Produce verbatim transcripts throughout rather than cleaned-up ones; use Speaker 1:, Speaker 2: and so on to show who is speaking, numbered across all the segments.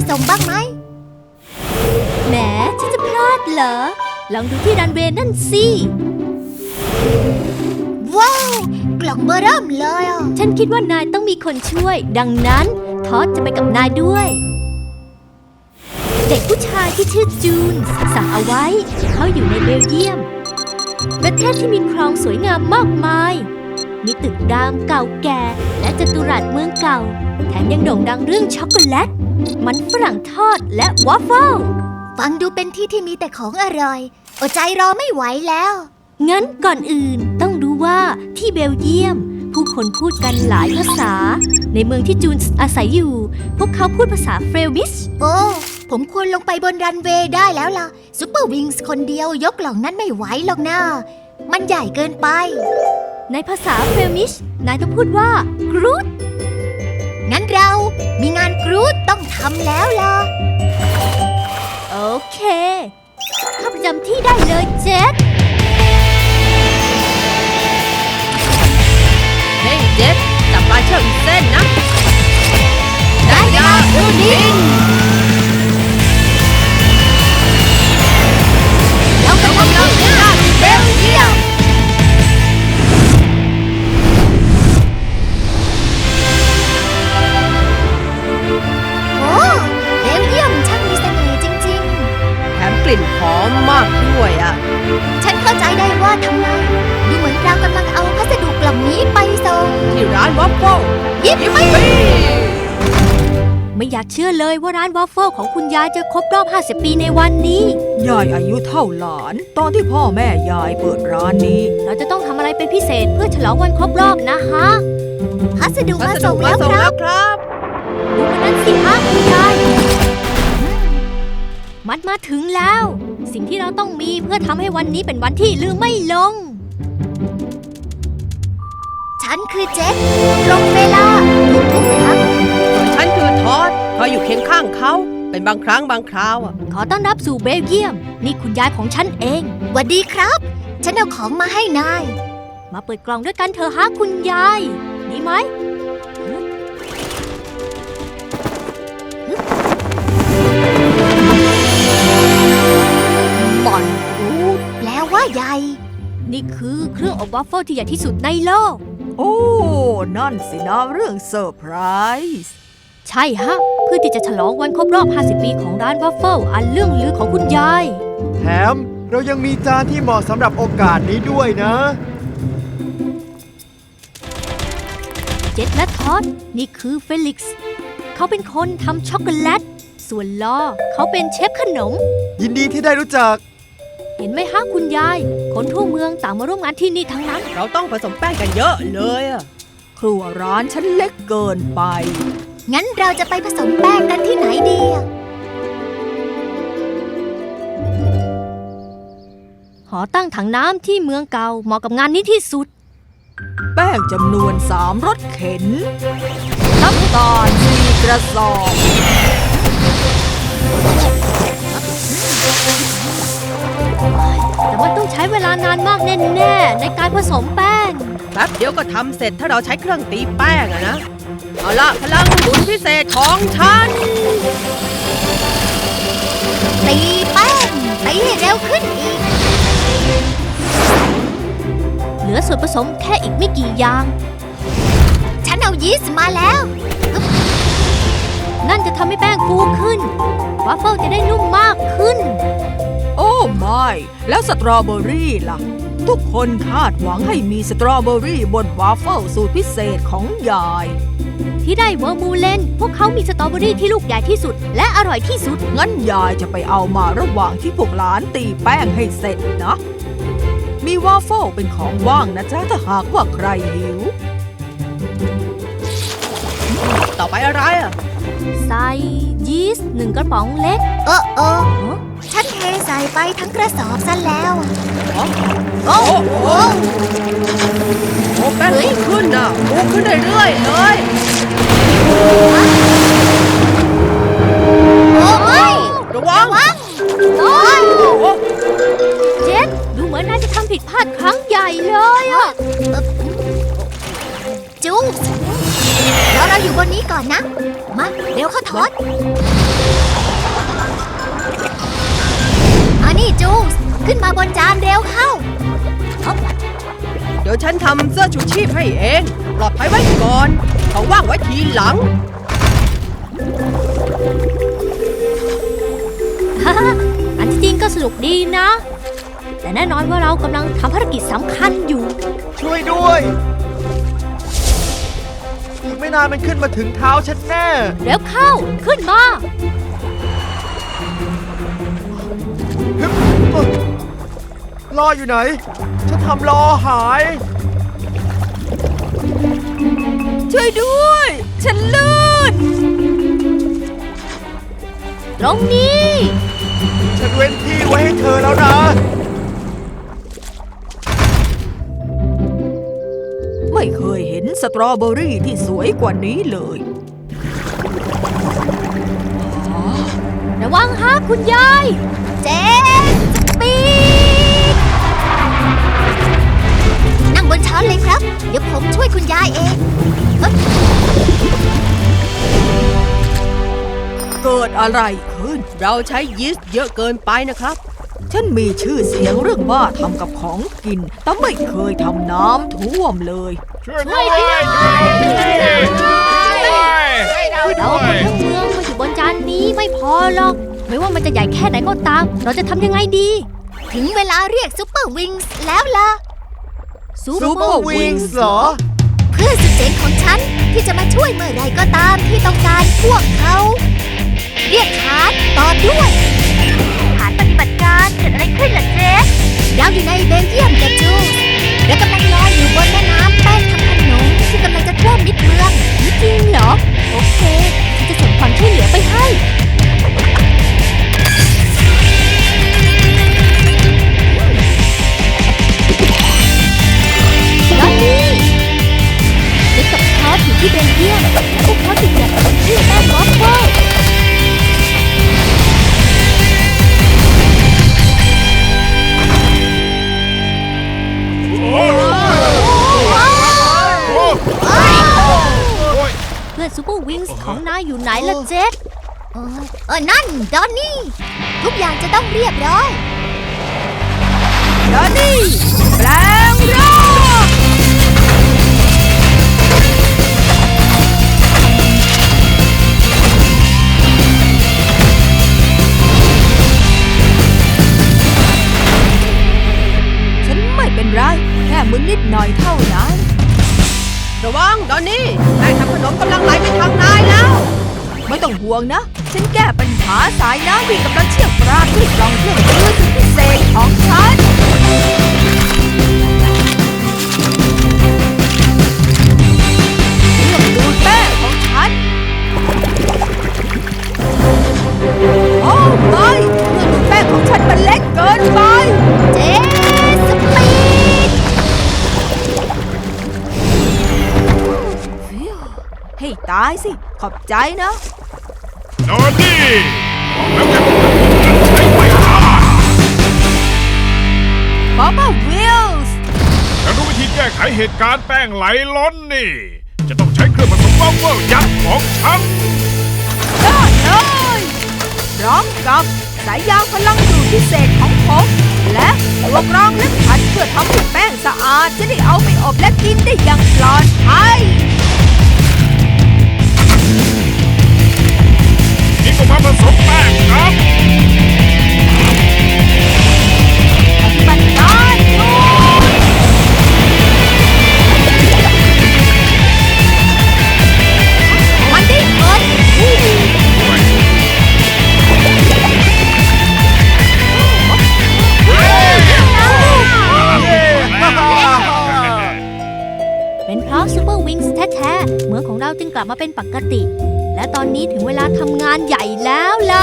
Speaker 1: ส่งบ้างไหมแหมฉันจะพลาดเหรอลองดูที่รันเวย์นั่นสิว้าวกล่องเบอร์เริ่มเลยอ่ะฉันคิดว่านายต้องมีคนช่วยดังนั้นทอดจะไปกับนายด้วยเด็กผู้ชายที่ชื่อจูนสั่งเอาไว้เขาอยู่ในเบลเยียมประเทศที่มีคลองสวยงามมากมายมีตึกรามเก่าแก่และจัตุรัสเมืองเก่าแถมยังโด่งดังเรื่องช็อกโกแลตมันฝรั่งทอดและวอฟเฟิลฟังดูเป็นที่ที่มีแต่ของอร่อยอดใจรอไม่ไหวแล้วงั้นก่อนอื่นต้องรู้ว่าที่เบลเยียมผู้คนพูดกันหลายภาษาในเมืองที่จูนอาศัยอยู่พวกเขาพูดภาษาเฟรมิชโอ้ผมควรลงไปบนรันเวย์ได้แล้วล่ะซุปเปอร์วิงส์คนเดียวยกกล่องนั้นไม่ไหวหรอกนะมันใหญ่เกินไปในภาษาเฟรมิชนายต้องพูดว่ากรูดงั้นเรามีงานกรูดต้องทำแล้วล่ะโอเคเข้าประจำที่ได้เลยเจ็ด
Speaker 2: เฮ้ยเจ็ดจับปลาเชือกอีกเส้นนะได้ยาดูดิง
Speaker 1: เรากำลังมุ่งหน้าที่เบลเยียมโอ้เบลเยียมช่างมีเสน่ห์จริงๆ
Speaker 2: แถมกลิ่นหอมมากด้วยอ่ะ
Speaker 1: ฉันเข้าใจได้ว่าทำไมดูเหมือนเรากำลังเอาพัสดุกล่องนี้ไปส่ง
Speaker 2: ที่ร้านวอฟเฟิล
Speaker 1: ยิปปี้ไม่อยากเชื่อเลยว่าร้านวอฟเฟิลของคุณยายจะครบรอบห้าสิบปีในวันนี้
Speaker 3: ยายอายุเท่าหลานตอนที่พ่อแม่ยายเปิดร้านนี้
Speaker 1: เราจะต้องทำอะไรเป็นพิเศษเพื่อฉลองวันครบรอบนะฮะพัสดุมาส่งแล้วครับดูมันนั่นสิฮะคุณยายมันมาถึงแล้วสิ่งที่เราต้องมีเพื่อทำให้วันนี้เป็นวันที่ลืมไม่ลงฉันคือเจ็ดตรงเวลาทุกครั้ง
Speaker 2: ฉันคือทอดคอยอยู่เคียงข้างเขาเป็นบางครั้งบางคราวอ่ะ
Speaker 1: ขอต้อนรับสู่เบลเยียมนี่คุณยายของฉันเองสวัสดีครับฉันเอาของมาให้นายมาเปิดกล่องด้วยกันเถอะฮะคุณยายดีไหมบอนรูดแปลว่าใหญ่นี่คือเครื่องอบวอฟเฟิลที่ใหญ่ที่สุดในโลก
Speaker 3: โอ้นั่นสินะเรื่องเซอร์ไพรส์
Speaker 1: ใช่ฮะเพื่อที่จะฉลองวันครบรอบห้าสิบปีของร้านวอฟเฟิลอันเรื่องลือของคุณยาย
Speaker 4: แถมเรายังมีจานที่เหมาะสำหรับโอกาสนี้ด้วยนะ
Speaker 1: เจ็ดและทอดนี่คือเฟลิกซ์เขาเป็นคนทำช็อกโกแลตส่วนลอเขาเป็นเชฟขนม
Speaker 4: ยินดีที่ได้รู้จัก
Speaker 1: เห็นไหมฮะคุณยายคนทั่วเมืองต่างมาร่วมงานที่นี่ทั้งนั้น
Speaker 2: เราต้องผสมแป้งกันเยอะเลยอะ
Speaker 3: ครัวร้านฉันเล็กเกินไป
Speaker 1: งั้นเราจะไปผสมแป้งกันที่ไหนดีหอตั้งถังน้ำที่เมืองเก่าเหมาะกับงานนี้ที่สุด
Speaker 3: แป้งจำนวนสามรถเข็นน้ำตาลสี่กระสอบ
Speaker 1: แต่มันต้องใช้เวลานานมากแน่ๆในการผสมแป้ง
Speaker 2: แป๊บเดียวก็ทำเสร็จถ้าเราใช้เครื่องตีแป้งอะนะเอาล่ะพลังหมุนพิเศษของฉัน
Speaker 1: ตีแป้งตีให้เร็วขึ้นอีกเหลือส่วนผสมแค่อีกไม่กี่อย่างฉันเอายีสต์มาแล้วนั่นจะทำให้แป้งฟูขึ้นวาฟเฟิลจะได้นุ่มมากขึ้น
Speaker 3: โอ้ไม่แล้วสตรอเบอรี่ล่ะทุกคนคาดหวังให้มีสตรอเบอรี่บนวาฟเฟิลสูตรพิเศษของยาย
Speaker 1: ที่ได้เวอร์มูเลนพวกเขามีสตรอเบอรี่ที่ลูกใหญ่ที่สุดและอร่อยที่สุด
Speaker 3: งั้นยายจะไปเอามาระหว่างที่พวกหลานตีแป้งให้เสร็จนะมีวาฟเฟิลเป็นของว่างนะจ๊ะถ้าหากว่าใครหิว
Speaker 2: ต่อไปอะไรอ่ะ
Speaker 1: ใส่ยีสต์หนึ่งกระป๋องเล็กเออเออฉันเทใส่ไปทั้งกระสอบซะแล้ว
Speaker 2: โอ้โหโอ้แป้งนี่ขึ้นอ่ะฟูขึ้นเรื่อยๆเลย
Speaker 1: โอ้ย
Speaker 2: ระวัง
Speaker 1: โอ้ยเจ็ดดูเหมือนนายจะทำผิดพลาดครั้งใหญ่เลยอ่ะจู๊แล้วเราอยู่บนนี้ก่อนนะมาเร็วเข้าทอดขึ้นมาบนจานเร็วเข้า
Speaker 2: เดี๋ยวฉันทำเสื้อชูชีพให้เอง ปลอดภัยไว้ก่อนของว่างไว้ทีหลัง
Speaker 1: ฮ่าอันที่จริงก็สนุกดีนะ แต่แน่นอนว่าเรากำลังทำภารกิจสำคัญอยู่
Speaker 4: ช่วยด้วย อีกไม่นานมันขึ้นมาถึงเท้าฉันแน่
Speaker 1: เร็วเข้า ขึ้นมา
Speaker 4: ฮึบเอ้อล้ออยู่ไหน ฉันทำล้อหาย
Speaker 3: ช่วยด้วย ฉันลื่น
Speaker 1: ตรงนี้
Speaker 4: ฉันเว้นที่ไว้ให้เธอแล้วนะ
Speaker 3: ไม่เคยเห็นสตรอเบอรี่ที่สวยกว่านี้เลย
Speaker 1: ระวังฮะคุณยาย เจนสปีดนั่งบนช้อนเลยครับ เดี๋ยวผมช่วยคุณยายเอง
Speaker 3: เกิดอะไรขึ้น
Speaker 2: เราใช้ยีสต์เยอะเกินไปนะครับ
Speaker 3: ฉันมีชื่อเสียงเรื่องบ้าทำกับของกิน แต่ไม่เคยทำน้ำท่วมเลย
Speaker 5: ช่วยด้วยช่วยด้วย
Speaker 1: เราเอาคนทั้งเมืองมาอยู่บนจานนี้ไม่พอหรอก ไม่ว่ามันจะใหญ่แค่ไหนก็ตาม เราจะทำยังไงดี ถึงเวลาเรียกซูเปอร์วิงส์แล้วล่ะ
Speaker 4: ซูเปอร์วิงส์เหรอ
Speaker 1: เพื่อนสุดเจ๋งของฉันที่จะมาช่วยเมื่อไรก็ตามที่ต้องการพวกเขา เรียกฐานต่อด้วยฐานปฏิบัติการเกิดอะไรขึ้นล่ะเจสเราอยู่ในเบลเยียมกับจูสและกำลังลอยอยู่บนแม่น้ำแป้งทำขนมที่กำลังจะท่วมมิดเมืองนี่จริงเหรอ โอเคฉันจะส่งความช่วยเหลือไปให้ตอนนี้เด็กกับทอสอยู่ที่เบลเยียมและพวกเขาติดจากที่แป้งวอฟเฟิลเพื่อนซูเปอร์วิงส์ของนายอยู่ไหนล่ะเจสเออเออนั่นดอนนี่ ทุกอย่างจะต้องเรียบร้อย
Speaker 3: ดอนนี่แปลงร่าง ฉันไม่เป็นไร แค่มึนนิดหน่อยเท่านั้น
Speaker 2: ระวังดอนนี่แป้งทำขนมกำลังไหลไปทางนายแล้ว
Speaker 3: ไม่ต้องห่วงนะ ฉันแก้ปัญหาสายน้ำที่กำลังเชี่ยวกรากด้วยกล่องเครื่องมือสุดพิเศษของฉันเครื่องดูดแป้งของฉัน โอ้ไม่เครื่องดูดแป้งของฉันมันเล็กเกินไป
Speaker 1: เจสปีด
Speaker 3: ฟิวให้ตายสิ ขอบใจนะ
Speaker 5: นอนนี่แล้วแกบอกว่าผมจะใช้ไม่ได้
Speaker 3: ป๊อปปี้วิลส์
Speaker 5: ฉันรู้วิธีแก้ไขเหตุการณ์แป้งไหลล้นนี่ จะต้องใช้เครื่องผสมวัฟเฟิลยักษ์ของฉัน
Speaker 3: ได้เลยพร้อมกับสายยางพลังดูดพิเศษของผม และตัวกรองและขัดเพื่อทำให้แป้งสะอาด จะได้เอาไปอบและกินได้อย่างปลอดภัย
Speaker 5: นี่ก็มาผสมแป้งครับ
Speaker 3: ปฏิบัติการอยู่มันได้ผล
Speaker 1: เป็นเพราะซูเปอร์วิงส์แท้ๆเมืองของเราจึงกลับมาเป็นปกติ และตอนนี้ถึงเวลาทำงานใหญ่แล้วล่ะ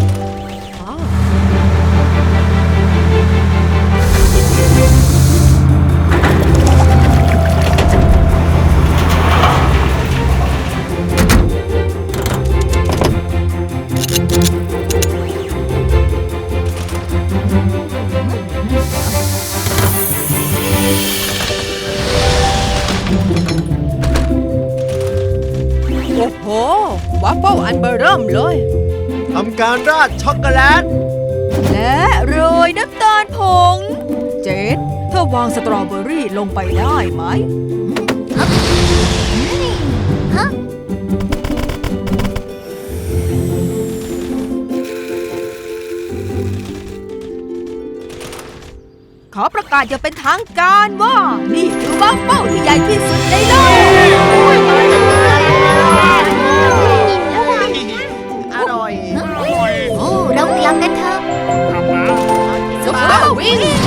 Speaker 2: โอ้โหวัฟเฟิลอันเบอร์เริ่มเลย
Speaker 4: ทำการราดช็อกโกแลต
Speaker 3: และโรยน้ำตาลโพง เจนเธอวางสตรอเบอรี่ลงไปได้ไหม
Speaker 1: ฮะ
Speaker 3: ขอประกาศอย่างเป็นทางการว่า นี่คือวัฟเฟิลที่ใหญ่ที่สุดในโลก
Speaker 2: อร่อย
Speaker 5: อร่อย
Speaker 1: โอ้ เรากลับกันเถอะ
Speaker 5: กลับมา
Speaker 1: ซุปเปอร์วิง